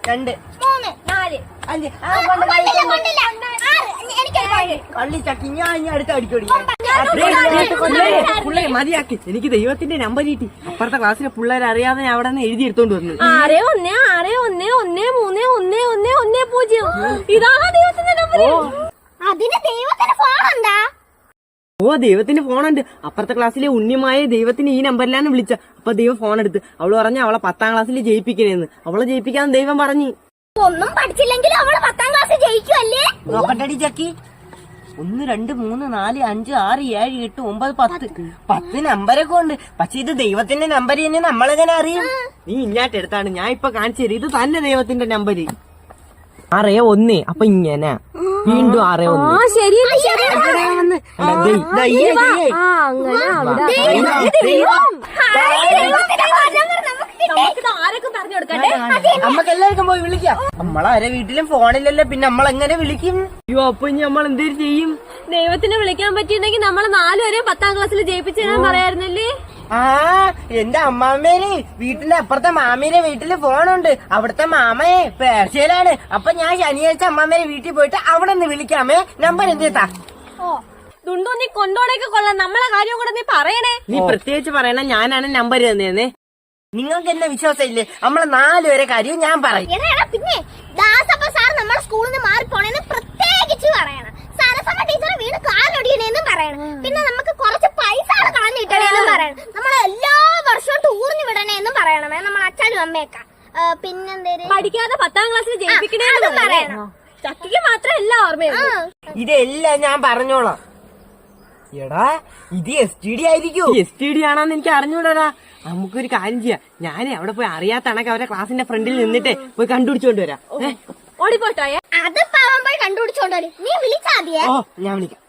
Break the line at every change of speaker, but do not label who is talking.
2
3 4
5
കള്ളി
ചക്കി ഞാൻ അടുത്ത അടിക്കോടി
പിള്ളേരെ മതിയാക്കി. എനിക്ക് ദൈവത്തിന്റെ നമ്പർ കിട്ടി. അപ്പുറത്തെ ക്ലാസ്സിലെ പിള്ളേരെ അറിയാതെ ഞാൻ അവിടെ നിന്ന് എഴുതി എടുത്തോണ്ട് വന്നു.
661611110. ഇതാണ് ദൈവത്തിന്റെ നമ്പർ. അതിന് ദൈവത്തിന്റെ ഫോൺ എന്താ?
ഓ, ദൈവത്തിന്റെ ഫോണുണ്ട്. അപ്പുറത്തെ ക്ലാസ്സിലെ ഉണ്ണിമായ ദൈവത്തിന് ഈ നമ്പറിലാണ് വിളിച്ച. അപ്പൊ ദൈവം ഫോൺ എടുത്ത്. അവള് പറഞ്ഞ അവളെ 10ാം ക്ലാസ്സിൽ ജയിപ്പിക്കണേന്ന്. അവളെ ജയിപ്പിക്കാൻ ദൈവം പറഞ്ഞു.
ഒന്നും പഠിച്ചില്ലെങ്കിൽ അവള് 10ാം ക്ലാസ് ജയിക്കുമല്ലേ?
നോക്കട്ടടി ചക്കി. 1 2 3 4 5 6 7 8 9 10 നമ്പരൊക്കെ ഉണ്ട്. പക്ഷെ ഇത് ദൈവത്തിന്റെ നമ്പർ തന്നെ നമ്മളെങ്ങനെ അറിയും?
നീ ഇങ്ങാട്ട് എടുത്താണ്. ഞാൻ ഇപ്പൊ കാണിച്ചു തരും. ഇത് തന്നെ ദൈവത്തിന്റെ നമ്പര്. 6 1. അപ്പൊ ഇങ്ങനെ വീണ്ടും 6 1.
ശരി
നമ്മക്ക് എല്ലാവർക്കും പോയി വിളിക്കാം. നമ്മളാരെ വീട്ടിലും ഫോണിലല്ലോ, പിന്നെ നമ്മളെങ്ങനെ വിളിക്കും?
അയ്യോ, അപ്പൊ ഇനി നമ്മൾ എന്തേലും ചെയ്യും?
ദൈവത്തിന് വിളിക്കാൻ പറ്റിയിട്ടുണ്ടെങ്കിൽ നമ്മളെ 4 വരെ 10ാം ക്ലാസ്സിൽ ജയിപ്പിച്ചു തരാൻ പറയായിരുന്നല്ലേ?
ആ, എന്റെ അമ്മാമ്മേന് വീട്ടിന്റെ അപ്പുറത്തെ മാമീരെ വീട്ടില് ഫോണുണ്ട്. അവിടുത്തെ മാമയെ പേർഷ്യയിലാണ്. അപ്പൊ ഞാൻ ശനിയാഴ്ച അമ്മാമ്മേരെ വീട്ടിൽ പോയിട്ട് അവിടെ നിന്ന് വിളിക്കാമേ. നമ്പർ എന്തേത്താ?
ദുണ്ടു, നീ കൊണ്ടോടേക്ക് കൊള്ളാം. നമ്മളെ കാര്യം കൂടെ നീ പറയണേ.
നീ പ്രത്യേകിച്ച് പറയണ ഞാനാണ് നമ്പർ തന്നേന്നേ.
നിങ്ങൾക്ക് എന്നെ വിശ്വാസം ഇല്ലേ? നമ്മളെ 4 വരെ കാര്യം ഞാൻ പറയും.
പിന്നെ ദാസപ്പ സാർ നമ്മുടെ സ്കൂളിൽ നിന്ന് മാറിപ്പോണെന്ന് പ്രത്യേകിച്ച് പറയണം. സരസമ്മ ടീച്ചർ വീട് കാലൊടിയണേന്ന് പറയണം. പിന്നെ നമുക്ക് കുറച്ച് പൈസ കളഞ്ഞിട്ടേന്നും പറയണം. നമ്മളെ എല്ലാ വർഷവും ടൂറിന് വിടണേന്നും പറയണമേ നമ്മളെ അച്ഛനും അമ്മയൊക്കെ. പിന്നെന്തേലും പഠിക്കാതെ 10ാം ക്ലാസ്സിൽ ജയിപ്പിക്കണേന്നും പറയണം. ചക്കിക്ക് മാത്രം എല്ലാം ഓർമ്മയുള്ളൂ.
ഇതെല്ലാം ഞാൻ പറഞ്ഞോളാം. എടാ, ഇത് STD ആയിരിക്കും.
STD ആണെന്ന് എനിക്ക് അറിഞ്ഞൂടാ. നമുക്കൊരു കാര്യം ചെയ്യാം. ഞാനേ അവിടെ പോയി അറിയാത്ത കണക്ക് അവരെ ക്ലാസിന്റെ ഫ്രണ്ടിൽ നിന്നിട്ട് പോയി കണ്ടുപിടിച്ചോണ്ട് വരാം.
ഓടിപ്പോട്ടോ. അത് പാവം പോയി കണ്ടുപിടിച്ചോണ്ടോ. നീ വിളിച്ചാ മതിയേ.
ഓ, ഞാൻ വിളിക്കാം.